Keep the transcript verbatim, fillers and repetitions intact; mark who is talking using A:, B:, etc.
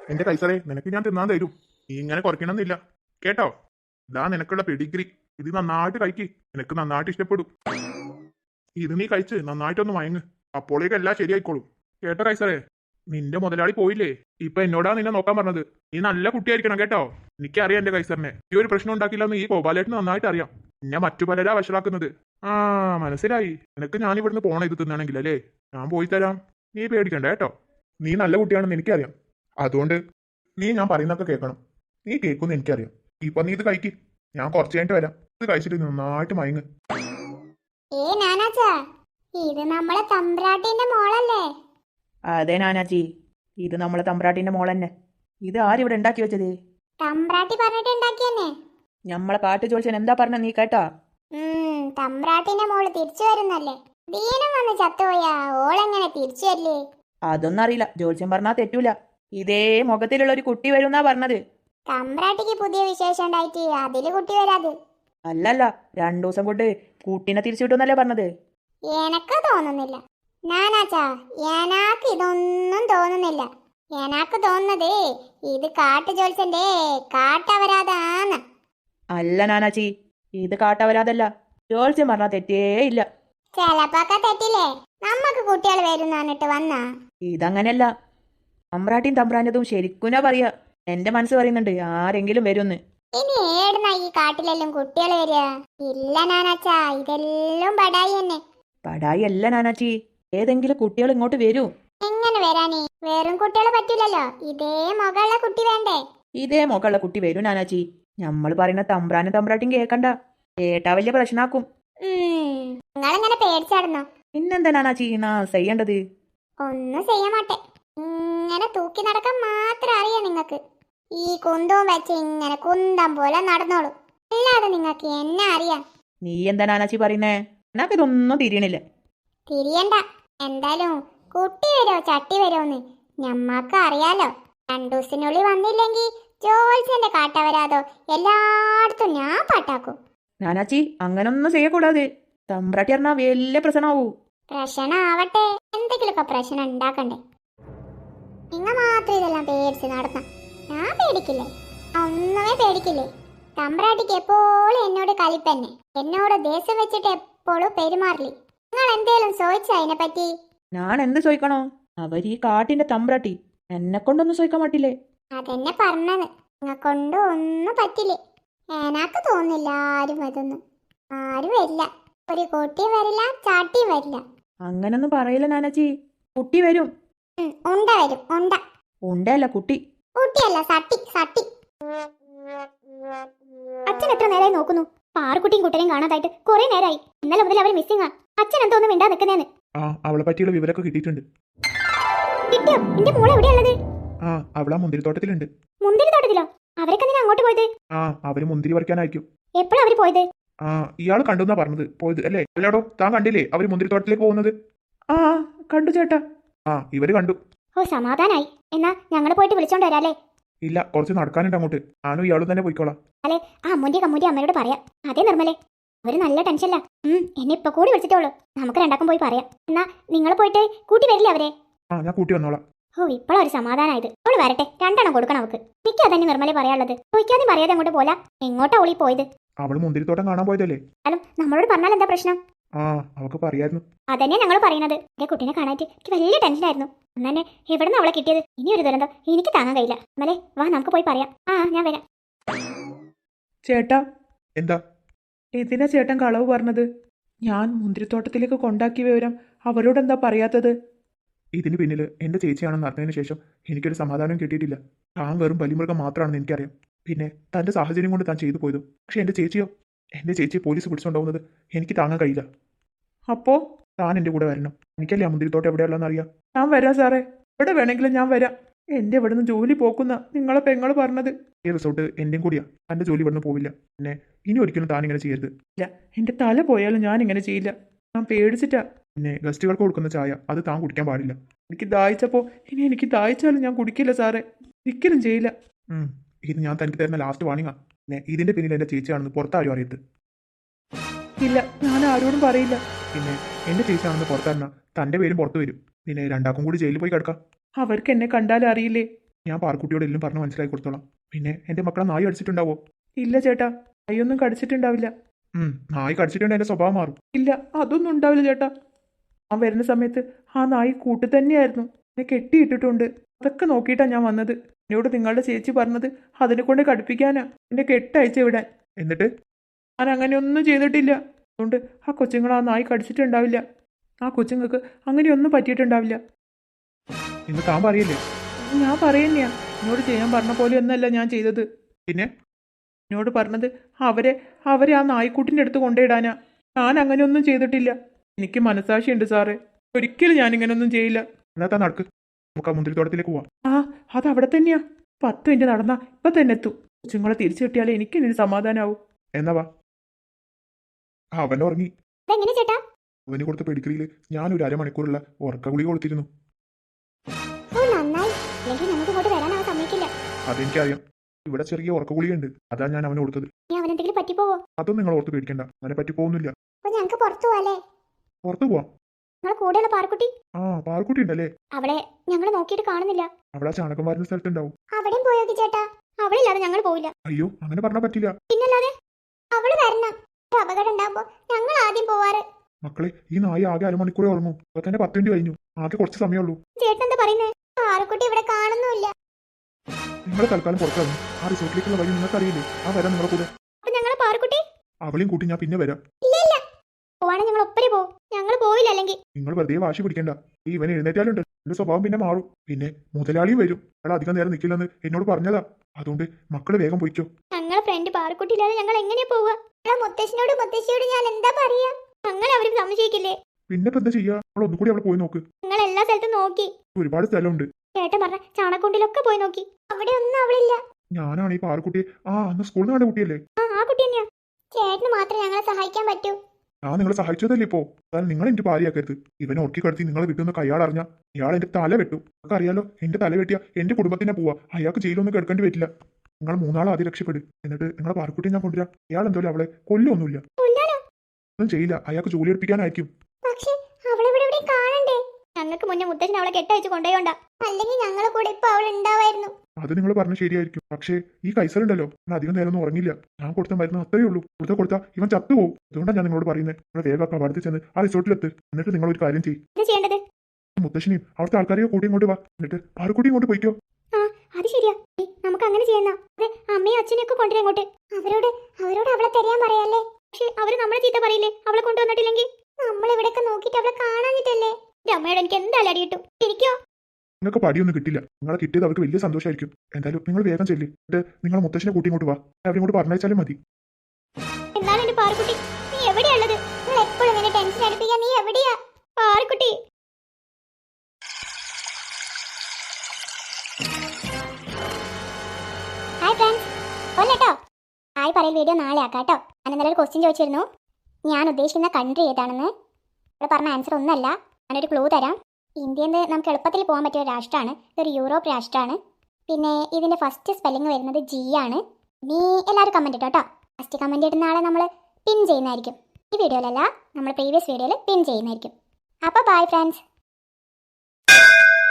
A: എന്റെ കൈസറേ, നിനക്ക് ഞാൻ തിന്നാൻ തരും. നീ ഇങ്ങനെ കുറയ്ക്കണമെന്നില്ല കേട്ടോ. ഇതാ നിനക്കുള്ള പെഡിഗ്രി. ഇത് നന്നായിട്ട് കഴിക്ക്, നിനക്ക് നന്നായിട്ട് ഇഷ്ടപ്പെടും. ഇത് നീ കഴിച്ച് നന്നായിട്ടൊന്ന് മയങ്ങ്, അപ്പോഴേക്ക് എല്ലാം ശരിയായിക്കോളും. കേട്ടോ കൈസറേ, നിന്റെ മുതലാളി പോയില്ലേ, ഇപ്പൊ എന്നോടാ നിന്നെ നോക്കാൻ പറഞ്ഞത്. നീ നല്ല കുട്ടിയായിരിക്കണം കേട്ടോ. എനിക്കറിയാം എന്റെ കൈസറിനെ, ഈ ഒരു പ്രശ്നം ഉണ്ടാക്കില്ലെന്ന് ഈ ഗോപാലേട്ടന് നന്നായിട്ട് അറിയാം. എന്നെ മറ്റു പലരാ വഷളാക്കുന്നത്. ആ മനസ്സിലായി. നിനക്ക് ഞാൻ ഇവിടുന്ന് പോണ ഇത് തിന്നണമെങ്കിൽ അല്ലേ, ഞാൻ പോയി തരാം. നീ പേടിക്കണ്ട കേട്ടോ. നീ നല്ല കുട്ടിയാണെന്ന് എനിക്കറിയാം. അതുകൊണ്ട് നീ ഞാൻ പറയുന്നൊക്കെ കേൾക്കണം. നീ കേൾക്കുമെന്ന് എനിക്കറിയാം. ഇപ്പൊ നീ ഇത് കഴിക്ക്, ഞാൻ കുറച്ച് കഴിഞ്ഞിട്ട് വരാം. ഇത് കഴിച്ചിട്ട് നന്നായിട്ട് മയങ്ങ്.
B: ഏ നാനാച്ചാ, ഇത് നമ്മളെ തമ്പ്രാട്ടിന്റെ മോളല്ലേ?
C: അതെ നാനാച്ചി, ഇത് നമ്മളെ തമ്പ്രാട്ടിന്റെ മോൾ തന്നെ. ഇത് ആരിവിടെ ഉണ്ടാക്കി വെച്ചത്?
B: തമ്പ്രാട്ടി പറഞ്ഞിട്ട് ഉണ്ടാക്കിയെന്നെ.
C: നമ്മളെ കാട്ടു ചോദിച്ചാൽ എന്താ പറഞ്ഞ നീ കേട്ടാ?
B: ഉം തമ്പ്രാട്ടിന്റെ മോള് തിരിച്ചു വരുന്നല്ലേ. ദീനം വന്ന് ചത്തുപോയാ ഓളെങ്ങനെ തിരിച്ചു വരില്ലേ?
C: അതൊന്നും അറിയില്ല, ജോത്സ്യം പറഞ്ഞാ തെറ്റൂല. ഇതേ മുഖത്തിലുള്ള ഒരു കുട്ടി വരുന്നാ പറഞ്ഞത്.
B: തമ്പ്രാട്ടിക്ക് പുതിയ വിശേഷം ഉണ്ടായിട്ട് അതില് കുട്ടി വരാത്.
C: അല്ലല്ല, രണ്ടു ദിവസം കൊണ്ട് കുട്ടീനെ തിരിച്ചു കിട്ടുന്നല്ലേ പറഞ്ഞത്.
B: എനക്ക് തോന്നുന്നില്ല നാനാച്ചാ, എനാക്ക് ഇതൊന്നും തോന്നുന്നില്ല. എനാക്ക് തോന്നുന്നത് ഇത് കാട്ടു ജോത്സ്യന്റെ കാട്ടവരാതാന്ന്.
C: അല്ല നാനാച്ചി, ഇത് കാട്ടവരാതല്ല. ജോത്സ്യം പറഞ്ഞാ തെറ്റേ ഇല്ല.
B: ചെലപ്പൊക്കെ തെറ്റില്ലേ? നമ്മക്ക് കുട്ടികൾ വരും പറഞ്ഞിട്ട് വന്നാ.
C: ഇതങ്ങനെയല്ല, തമ്പ്രാട്ടിയും തമ്പ്രാൻ്റെതും ശരിക്കുനാ പറയാ. എന്റെ മനസ്സ് പറയുന്നുണ്ട് ആരെങ്കിലും വരുമെന്ന്.
B: ഇനി ഏടുന്ന ഈ കാട്ടിലെല്ലാം കുട്ടികൾ വരിക? ഇല്ല നാനാച്ചാ, ഇതെല്ലാം ബടായി തന്നെ.
C: പടായി അല്ല നാനാച്ചി, ഏതെങ്കിലും കുട്ടികൾ ഇങ്ങോട്ട് വരൂ.
B: എങ്ങനെ വരാനേ? വെറും കുട്ടികളെ പറ്റൂലല്ലോ, ഇതേ മുകളുള്ള കുട്ടി വേണ്ടേ?
C: ഇതേ മുകളുള്ള കുട്ടി വരൂ നാനാച്ചി. നമ്മൾ പറയുന്ന തമ്പ്രാനും തമ്പ്രാട്ടിയും കേക്കണ്ട, കേട്ടാ വലിയ പ്രശ്നാക്കും.
B: നിങ്ങളിങ്ങനെ പേടിച്ചാടുന്നോ?
C: പിന്നെന്താ നാനാച്ചി നാ ചെയ്യേണ്ടത്?
B: ഒന്നും ചെയ്യാൻ മാട്ടെ, ഇങ്ങനെ തൂക്കി നടക്കാൻ മാത്രം അറിയാം നിങ്ങക്ക്. ഈ കുന്തവും വെച്ച് ഇങ്ങനെ കുന്തം പോലെ നടന്നോളൂ, അല്ലാതെ നിങ്ങക്ക് എന്നെ അറിയാം.
C: നീ എന്താ നാനാച്ചി പറയുന്നേ? എനക്ക് ഇതൊന്നും തിരിയണില്ല.
B: തിരിയണ്ട, എന്തായാലും കുട്ടി വരുമോ ചട്ടി വരുമോന്ന് ഞമ്മക്ക് അറിയാലോ. രണ്ടു ദിവസത്തിനുള്ളിൽ വന്നില്ലെങ്കിൽ ജോത്സ്യന്റെ കാട്ടവരാതോ എല്ലായിടത്തും ഞാൻ പാട്ടാക്കും.
C: നാനാച്ചി അങ്ങനൊന്നും ചെയ്യக்கூടാതെ, തമ്പ്രാട്ടി പറഞ്ഞാ വലിയ പ്രശ്നമാവൂ.
B: പ്രശ്നമാവട്ടെ, എന്തെങ്കിലുമൊക്കെ പ്രശ്നം ഉണ്ടാക്കണ്ടേ? നിങ്ങ മാത്രം ഇതെല്ലാം പേടിച്ച് നടന്ന ഞാൻ പേടിക്കില്ലേ? ഒന്നുമേ പേടിക്കില്ലേ? തമ്പ്രാട്ടിക്ക് എപ്പോഴും എന്നോട് കലിപ്പന്നെ, എന്നോട് ദേഷ്യം വെച്ചിട്ട് എപ്പോഴും പെരുമാറില്ലേ. നിങ്ങൾ എന്തേലും ചോദിച്ച അതിനെ പറ്റി?
C: ഞാൻ എന്ത് ചോദിക്കണോ? അവര് ഈ കാട്ടിന്റെ തമ്പ്രാട്ടി, എന്നെ കൊണ്ടൊന്നും ചോദിക്കാൻ പറ്റില്ലേ?
B: അതെന്നെ പറഞ്ഞത്, നിങ്ങ കൊണ്ട് ഒന്നും പറ്റില്ലേ. എനക്ക് തോന്നില്ല ആരും അതൊന്നും. ആരും വരില്ല, ഒരു കുട്ടിയും വരില്ല, ചാട്ടിയും വരില്ല.
C: അങ്ങനൊന്നും പറയില്ല നാനാച്ചി, കുട്ടി വരും.
B: ഉം, ഉണ്ട വരും, ഉണ്ട.
C: ഉണ്ടല്ല കുട്ടി.
B: കുട്ടിയല്ല, സട്ടി സട്ടി. അച്ഛൻ എത്ര നേരമായി നോക്കുന്നു? പാറുക്കുട്ടിയും കുട്ടനെയും കാണാതായിട്ട് കുറെ നേരമായി. ഇന്നലെ മുതൽ അവർ മിസ്സിംഗ്. അച്ഛൻ എന്തോന്നും മിണ്ടാ നിൽക്കുന്നേന്ന്.
A: ആ അവളെ പറ്റിയുള്ള വിവരമൊക്കെ കിട്ടിയിട്ടുണ്ട്.
B: കിട്ടിയോ? എന്റെ മോളെ എവിടെയുള്ളത്?
A: ആ അവളാ മുന്തിരിത്തോട്ടത്തിലുണ്ട്.
B: മുന്തിരി തോട്ടത്തിലോ? അവരൊക്കെ നീ അങ്ങോട്ട് പോയത്?
A: ആ അവര് മുന്തിരി പറിക്കാനായിരിക്കും.
B: എപ്പോഴാ അവര് പോയത്?
A: ആ ഇയാൾ കണ്ടുന്നാ പറഞ്ഞത്, പോയത് അല്ലേ? അല്ലാടോ, താൻ കണ്ടില്ലേ അവര് മുന്തിരിത്തോട്ടത്തിലേക്ക് പോകുന്നത്?
C: ആ കണ്ടു ചേട്ടാ.
A: ആ ഇവര് കണ്ടു.
B: ഓ സമാധാനായി. എന്നാ ഞങ്ങൾ പോയിട്ട് വിളിച്ചോണ്ട് വരാല്ലേ?
A: ഇല്ല, കുറച്ച് നടക്കാനുണ്ട് അങ്ങോട്ട്. ഞാനും ഇയാളും തന്നെ പോയിക്കോളാം.
B: അല്ലെ ആ അമ്മൂന്റെ കമ്മൂന്റെ അമ്മയോട് പറയാം. അതേ നിർമ്മലേ, അവര് നല്ല ടെൻഷനില്ല. ഉം എന്നെ ഇപ്പൊ കൂടി വിളിച്ചിട്ടുള്ളൂ. നമുക്ക് രണ്ടാക്കും പോയി പറയാം. എന്നാ നിങ്ങൾ പോയിട്ട് കൂട്ടി വരില്ലേ അവരെ?
A: ആ ഞാൻ കൂട്ടി വന്നോളാം.
B: ഓ ഇപ്പോഴാ ഒരു സമാധാനായത്. അവള് വരട്ടെ, രണ്ടെണ്ണം കൊടുക്കണം അവക്ക്. മിക്ക അതന്നെ നിർമ്മലെ പറയാനുള്ളത്. ചോദിക്കാതെ പറയാതെ അങ്ങോട്ട് പോല. എങ്ങോട്ടാ ഓളി പോയത്?
A: അവള് മുന്തിരിത്തോട്ടം കാണാൻ പോയതല്ലേ?
B: അല്ല നമ്മളോട് പറഞ്ഞാൽ എന്താ പ്രശ്നം?
A: ആ അവക്ക് പറയായിരുന്നു.
B: അതന്നെ ഞങ്ങൾ പറയുന്നത്. എന്റെ കുട്ടീനെ കാണാറ്റ് എനിക്ക് വലിയ ടെൻഷനായിരുന്നു. അന്ന് തന്നെ എവിടുന്ന് അവളെ കിട്ടിയത്? ഇനി ഒരു ദുരന്തം എനിക്ക് താങ്ങാൻ കഴിയില്ല. അമ്മലേ വാ നമുക്ക് പോയി പറയാം. ആ ഞാൻ വരാം.
C: ചേട്ടാ,
A: എന്താ?
C: എന്തിനാ ചേട്ടൻ കളവ് പറഞ്ഞത്? ഞാൻ മുന്തിരിത്തോട്ടത്തിലേക്ക് കൊണ്ടാക്കിയ വിവരം അവരോട് എന്താ പറയാത്തത്?
A: ഇതിന് പിന്നിൽ എന്റെ ചേച്ചിയാണെന്ന് അറിഞ്ഞതിന് ശേഷം എനിക്കൊരു സമാധാനം കിട്ടിയിട്ടില്ല. താൻ വെറും ബലിമൃഗം മാത്രമാണെന്ന് എനിക്കറിയാം. പിന്നെ തന്റെ സാഹചര്യം കൊണ്ട് താൻ ചെയ്തു പോയതും. പക്ഷെ എന്റെ ചേച്ചിയോ? എന്റെ ചേച്ചിയെ പോലീസ് പിടിച്ചുകൊണ്ടുപോകുന്നത് എനിക്ക് താങ്ങാൻ കഴിയില്ല.
C: അപ്പോ
A: താൻ എന്റെ കൂടെ വരണം. എനിക്കല്ലേ ആ മുന്തിരിത്തോട്ടം എവിടെയുള്ളതെന്ന് അറിയാം.
C: ഞാൻ വരാം സാറേ, എവിടെ വേണമെങ്കിലും ഞാൻ വരാം. എന്റെ ഇവിടുന്ന് ജോലി പോക്കുന്ന നിങ്ങളെ പെങ്ങള് പറഞ്ഞത്.
A: ഈ റിസോർട്ട് എന്റെയും കൂടിയാ. തന്റെ ജോലി ഇവിടുന്ന് പോവില്ല. പിന്നെ ഇനി ഒരിക്കലും താൻ ഇങ്ങനെ ചെയ്യരുത്.
C: ഇല്ല, എന്റെ തല പോയാലും ഞാൻ ഇങ്ങനെ ചെയ്യില്ല. ഞാൻ പേടിച്ചിട്ടാ.
A: പിന്നെ ഗസ്റ്റുകൾക്ക് കൊടുക്കുന്ന ചായ അത് താൻ കുടിക്കാൻ പാടില്ല.
C: എനിക്ക് ദാഹിച്ചപ്പോ ഇനി എനിക്ക് ദാഹിച്ചാലും ഞാൻ കുടിക്കില്ല സാറേ, ഒരിക്കലും ചെയ്യില്ല.
A: ഉം ഇത് ഞാൻ തനിക്ക് തരുന്ന ലാസ്റ്റ് വാണിങ്ങാ. പിന്നെ ഇതിന്റെ പിന്നിൽ എന്റെ ചേച്ചിയാണെന്ന് പുറത്താരും അറിയരുത്.
C: ഇല്ല, ഞാൻ ആരോടും പറയില്ല.
A: പിന്നെ എന്റെ ചേച്ചിയാണെന്ന് പുറത്തറിഞ്ഞാൽ തന്റെ പേരും പുറത്തു വരും. പിന്നെ രണ്ടാക്കും കൂടി ജയിലിൽ പോയി കിടക്കാം.
C: അവർക്ക് എന്നെ കണ്ടാലും അറിയില്ലേ?
A: ഞാൻ പാർക്കുട്ടിയോട് എല്ലാം പറഞ്ഞ് മനസ്സിലാക്കി കൊടുത്തോളാം. പിന്നെ എന്റെ മക്കളെ നായി അടിച്ചിട്ടുണ്ടാവോ?
C: ഇല്ല ചേട്ടാ, കൈയൊന്നും കടിച്ചിട്ടുണ്ടാവില്ല.
A: ഉം നായി കടിച്ചിട്ടുണ്ടെങ്കിൽ എന്റെ സ്വഭാവം മാറും.
C: ഇല്ല, അതൊന്നും ഉണ്ടാവില്ല ചേട്ടാ. ആ വരുന്ന സമയത്ത് ആ നായി കൂട്ട് തന്നെയായിരുന്നു. എന്നെ കെട്ടിയിട്ടിട്ടുണ്ട്. അതൊക്കെ നോക്കിയിട്ടാണ് ഞാൻ വന്നത്. എന്നോട് നിങ്ങളുടെ ചേച്ചി പറഞ്ഞത് അതിനെ കൊണ്ട് കടുപ്പിക്കാനാ, എന്നെ കെട്ടയച്ചു വിടാൻ.
A: എന്നിട്ട്
C: ഞാൻ അങ്ങനെയൊന്നും ചെയ്തിട്ടില്ല. അതുകൊണ്ട് ആ കൊച്ചുങ്ങൾ ആ നായി കടിച്ചിട്ടുണ്ടാവില്ല. ആ കൊച്ചുങ്ങൾക്ക് അങ്ങനെയൊന്നും പറ്റിയിട്ടുണ്ടാവില്ല.
A: ഇന്ന് താൻ പറയില്ലേ?
C: ഞാൻ പറയുന്നയാ, എന്നോട് ചെയ്യാൻ പറഞ്ഞ പോലെയൊന്നല്ല ഞാൻ ചെയ്തത്.
A: പിന്നെ
C: എന്നോട് പറഞ്ഞത് അവരെ അവരെ ആ നായ്ക്കുട്ടിൻ്റെ അടുത്ത് കൊണ്ടിടാനാ. ഞാൻ അങ്ങനെയൊന്നും ചെയ്തിട്ടില്ല. എനിക്ക് മനസാക്ഷിയുണ്ട് സാറേ. ഒരിക്കലും ഞാൻ ഇങ്ങനെയൊന്നും ചെയ്യില്ല.
A: എന്നാ താൻ നടക്ക്, നമുക്ക് ആ മുന്തിരിത്തോട്ടത്തിലേക്ക് പോവാം.
C: ആ അത് അവിടെ തന്നെയാ. പത്ത് മിനിറ്റ് നടന്നാ ഇപ്പം തന്നെ എത്തും. കൊച്ചുങ്ങളെ തിരിച്ചു കിട്ടിയാലേ എനിക്ക് ഇനി സമാധാനാവും.
A: എന്നാ വാ. അവൻ ഉറങ്ങി.
B: ഇതെങ്ങനെ ചേട്ടാ?
A: അവന് കൊടുത്ത പെഡിഗ്രിയിൽ ഞാൻ ഒരു അരമണിക്കൂറുള്ള ഉറക്ക ഗുളിക കൊടുത്തിരുന്നു.
B: ഓ നന്നായി. അല്ലെങ്കിൽ നമുക്ക് ഇങ്ങോട്ട് വരാൻ അവൻ സമ്മതിക്കില്ല.
A: അതെനിക്കറിയാം. ഇവിടെ ചെറിയ ഉറക്ക ഗുളികയുണ്ട്, അതാ ഞാൻ അവന് കൊടുത്തത്.
B: ഇനി അവൻ എന്തെങ്കിലും പറ്റിപ്പോവോ?
A: അതൊന്നും നിങ്ങൾ ഓർത്ത് പേടിക്കണ്ട, അവനെ പറ്റി പോകുന്നില്ല.
B: അപ്പൊ ഞങ്ങൾക്ക് പുറത്തു പോവാല്ലേ?
A: പുറത്തു പോവാം.
B: നിങ്ങളെ കൂടെയുള്ള പാർക്കുട്ടി
A: ആ പാർക്കുട്ടി ഉണ്ടല്ലേ?
B: അവളെ ഞങ്ങൾ നോക്കിയിട്ട് കാണുന്നില്ല.
A: അവിടെ ആ ചാണകം വാരുന്ന സ്ഥലത്തുണ്ടാവും.
B: അവിടെയും പോയോക്കി ചേട്ടാ. അവളില്ലാതെ ഞങ്ങൾ പോവില്ല.
A: അയ്യോ അങ്ങനെ പറഞ്ഞാൽ പറ്റില്ല.
B: പിന്നല്ലാതെ അവള് വരണം. ഒരു അപകടം ഉണ്ടാകുമ്പോ ഞങ്ങൾ ആദ്യം പോവാറ്.
A: മക്കളെ, ഈ നായി ആകെ അരമണിക്കൂറേ ഉറങ്ങൂ. ഇപ്പൊ തന്നെ പത്ത് മിനിറ്റ് കഴിഞ്ഞു. ആകെ കുറച്ച് സമയമുള്ളൂ.
B: ചേട്ടൻ എന്താ പറയുന്നത്? പാറക്കുട്ടി ഇവിടെ കാണുന്നുമില്ല.
A: നിങ്ങൾ തൽക്കാലം പുറത്തിറങ്ങും. ആ റിസോർട്ടിലേക്കുള്ള വഴി നിങ്ങൾക്ക് അറിയില്ലേ? ആ വരാം നിങ്ങളെ കൂടെ.
B: അപ്പൊ ഞങ്ങളെ പാറക്കുട്ടി
A: അവളെയും കൂട്ടി ഞാൻ പിന്നെ വരാം.
B: ഇല്ല ഇല്ല, പോവാണെങ്കിൽ ഞങ്ങൾ ഒപ്പരെ പോവും. ഞങ്ങൾ പോവില്ല അല്ലെങ്കിൽ.
A: നിങ്ങൾ വെറുതെ വാശി പിടിക്കണ്ട. ഈ ഇവൻ എഴുന്നേറ്റാലുണ്ട് എന്റെ സ്വഭാവം പിന്നെ മാറും. പിന്നെ മുതലാളിയും വരും. അയാൾ അധികം നേരം നിൽക്കില്ലെന്ന് എന്നോട് പറഞ്ഞതാ. അതുകൊണ്ട് മക്കള് വേഗം പോയിക്കോ.
B: ഞങ്ങളെ ഫ്രണ്ട് പാറക്കുട്ടി ഇല്ലാതെ ഞങ്ങൾ എങ്ങനെയാ പോവുക? മുത്തശ്ശനോട് മുത്തശ്ശിയോട് ഞാൻ എന്താ പറയാ? ഞങ്ങൾ അവർക്ക് സംശയിക്കില്ലേ?
A: പിന്നെ ഇപ്പൊ എന്താ ചെയ്യാ? നമ്മൾ ഒന്നുകൂടി അവിടെ പോയി നോക്ക്.
B: ഞങ്ങൾ എല്ലാ സ്ഥലത്തും നോക്കി.
A: ഒരുപാട് സ്ഥലമുണ്ട്.
B: ചേട്ടൻ പറഞ്ഞ ചാണക്കുണ്ടിലൊക്കെ പോയി നോക്കി. അവിടെ ഒന്നും അവളില്ല.
A: ഞാനാണ് ഈ പാറക്കുട്ടിയെ ആ അന്ന് സ്കൂളിൽ നിന്ന് കണ്ട കുട്ടിയല്ലേ?
B: ആ ആ കുട്ടി തന്നെയാ. ചേട്ടന് മാത്രമേ ഞങ്ങളെ സഹായിക്കാൻ പറ്റൂ.
A: ഞാൻ നിങ്ങളെ സഹായിച്ചതല്ലേ ഇപ്പോ? അതായത് നിങ്ങൾ എന്റെ ഭാര്യയാക്കരുത്. ഇവനെ ഉറക്കി കടത്തി നിങ്ങളെ വിട്ടുന്നൊക്കെ അയാൾ അറിഞ്ഞ ഇയാൾ എന്റെ തല വെട്ടു. നിങ്ങൾക്ക് അറിയാലോ, എന്റെ തല വെട്ടിയ എന്റെ കുടുംബത്തിനെ പോവാ. അയാൾക്ക് ജയിലൊന്നും കിടക്കേണ്ടി പറ്റില്ല. നിങ്ങൾ മൂന്നാളെ ആദ്യം രക്ഷപ്പെടും. എന്നിട്ട് നിങ്ങളെ പാറക്കുട്ടിയെ ഞാൻ കൊണ്ടുവരാം. ഇയാൾ എന്തോലും അവളെ കൊല്ലൊന്നുമില്ല. ഒന്നും ചെയ്യില്ല. അയാൾക്ക് ജോലി എടുപ്പിക്കാനായിരിക്കും.
B: പക്ഷേ അവളിവിടെ എവിടെ കാണണ്ടേ? ഞങ്ങൾക്ക് മുന്നേ മുത്തശ്ശൻ അവളെ കെട്ടയച്ച് കൊണ്ടുപോയോണ്ടാ. അല്ലെങ്കിൽ ഞങ്ങളെ കൂടെ ഇപ്പൊ അവൾ ഉണ്ടാവായിരുന്നു.
A: അത് നിങ്ങൾ പറഞ്ഞ ശരിയായിരിക്കും. പക്ഷേ ഈ കൈസറുണ്ടല്ലോ, ഞാൻ അധികം നേരം ഒന്നും ഉറങ്ങില്ല. ഞാൻ കൊടുത്ത മരുന്ന് അത്രയേ ഉള്ളൂ. കൊടുത്ത കൊടുത്താൽ ഇവൻ ചത്തുപോകും. അതുകൊണ്ടാണ് ഞാൻ നിങ്ങളോട് പറയുന്നത്. നിങ്ങൾ വേഗം കവാടത്തിൽ ചെന്ന് ആ റിസോർട്ടിലെത്ത്. എന്നിട്ട് നിങ്ങൾ ഒരു കാര്യം ചെയ്യും.
B: ഇത് ചെയ്യേണ്ടത്
A: മുത്തശ്ശനെയും അവിടുത്തെ ആൾക്കാരെയോ കൂടി ഇങ്ങോട്ട് വാ. എന്നിട്ട് പാറക്കുട്ടി ഇങ്ങോട്ട് പോയിക്കോ.
B: ആ അത് ശരിയാ. ഏയ്, നമുക്ക് അങ്ങനെ ചെയ്യുന്ന. അതെ, അമ്മയും അച്ഛനെയും ഒക്കെ കൊണ്ടുവരാം ഇങ്ങോട്ട്. അവരോട് അവരോട് അവളെ തരാൻ പറയാല്ലേ? പക്ഷെ അവര് നമ്മളെ ചീത്ത പറയില്ലേ അവളെ കൊണ്ടുവന്നിട്ടില്ലെങ്കിൽ? നമ്മൾ ഇവിടെയൊക്കെ നോക്കിയിട്ട് അവളെ കാണാഞ്ഞിട്ടല്ലേ? എന്റെ അമ്മയോട് എനിക്ക് എന്തായാലും അടി കിട്ടും. ഇരിക്കോ?
A: നിങ്ങൾക്ക് പടിയൊന്നും കിട്ടില്ല. നിങ്ങളെ കിട്ടിയത് അവർക്ക് വലിയ സന്തോഷമായിരിക്കും. എന്തായാലും നിങ്ങൾ വേഗം ചെല്ലി. എന്നിട്ട് നിങ്ങൾ മുത്തശ്ശനെ കൂട്ടി ഇങ്ങോട്ട് വാ. അവരെ ഇങ്ങോട്ട് പറഞ്ഞയച്ചാലും മതി.
B: എന്നാലും എന്റെ പാറക്കുട്ടി, നീ എവിടെയുള്ളത്? നിങ്ങൾ എപ്പോഴും ഇങ്ങനെ ടെൻഷൻ അടിപ്പിക്കാൻ. നീ എവിടെയാ പാറക്കുട്ടി? ഹായ് ഫ്രണ്ട്സ്, ഒന്നേട്ടോ ഹായ് പറയൽ വീഡിയോ നാളെ ആക്കാം കേട്ടോ. ഞാൻ ഇന്നലെ ഒരു ക്വസ്റ്റ്യൻ ചോദിച്ചിരുന്നു. ഞാൻ ഉദ്ദേശിക്കുന്ന കൺട്രി ഏതാണെന്ന്. ഇവിടെ പറഞ്ഞ ആൻസർ ഒന്നല്ല. ഞാനൊരു ക്ലൂ തരാം. ഇന്ത്യയിൽ നിന്ന് നമുക്ക് എളുപ്പത്തിൽ പോകാൻ പറ്റിയ ഒരു രാഷ്ട്രമാണ്. ഇതൊരു യൂറോപ്പ് രാഷ്ട്രമാണ്. പിന്നെ ഇതിൻ്റെ ഫസ്റ്റ് സ്പെല്ലിംഗ് വരുന്നത് ജി ആണ്. നീ എല്ലാവരും കമൻറ്റ് ഇട്ടോ കേട്ടോ. ഫസ്റ്റ് കമൻറ്റ് ഇടുന്ന ആളെ നമ്മൾ പിൻ ചെയ്യുന്നതായിരിക്കും. ഈ വീഡിയോയിലല്ല, നമ്മൾ പ്രീവിയസ് വീഡിയോയിൽ പിൻ ചെയ്യുന്നതായിരിക്കും. അപ്പോൾ ബൈ ഫ്രണ്ട്സ്.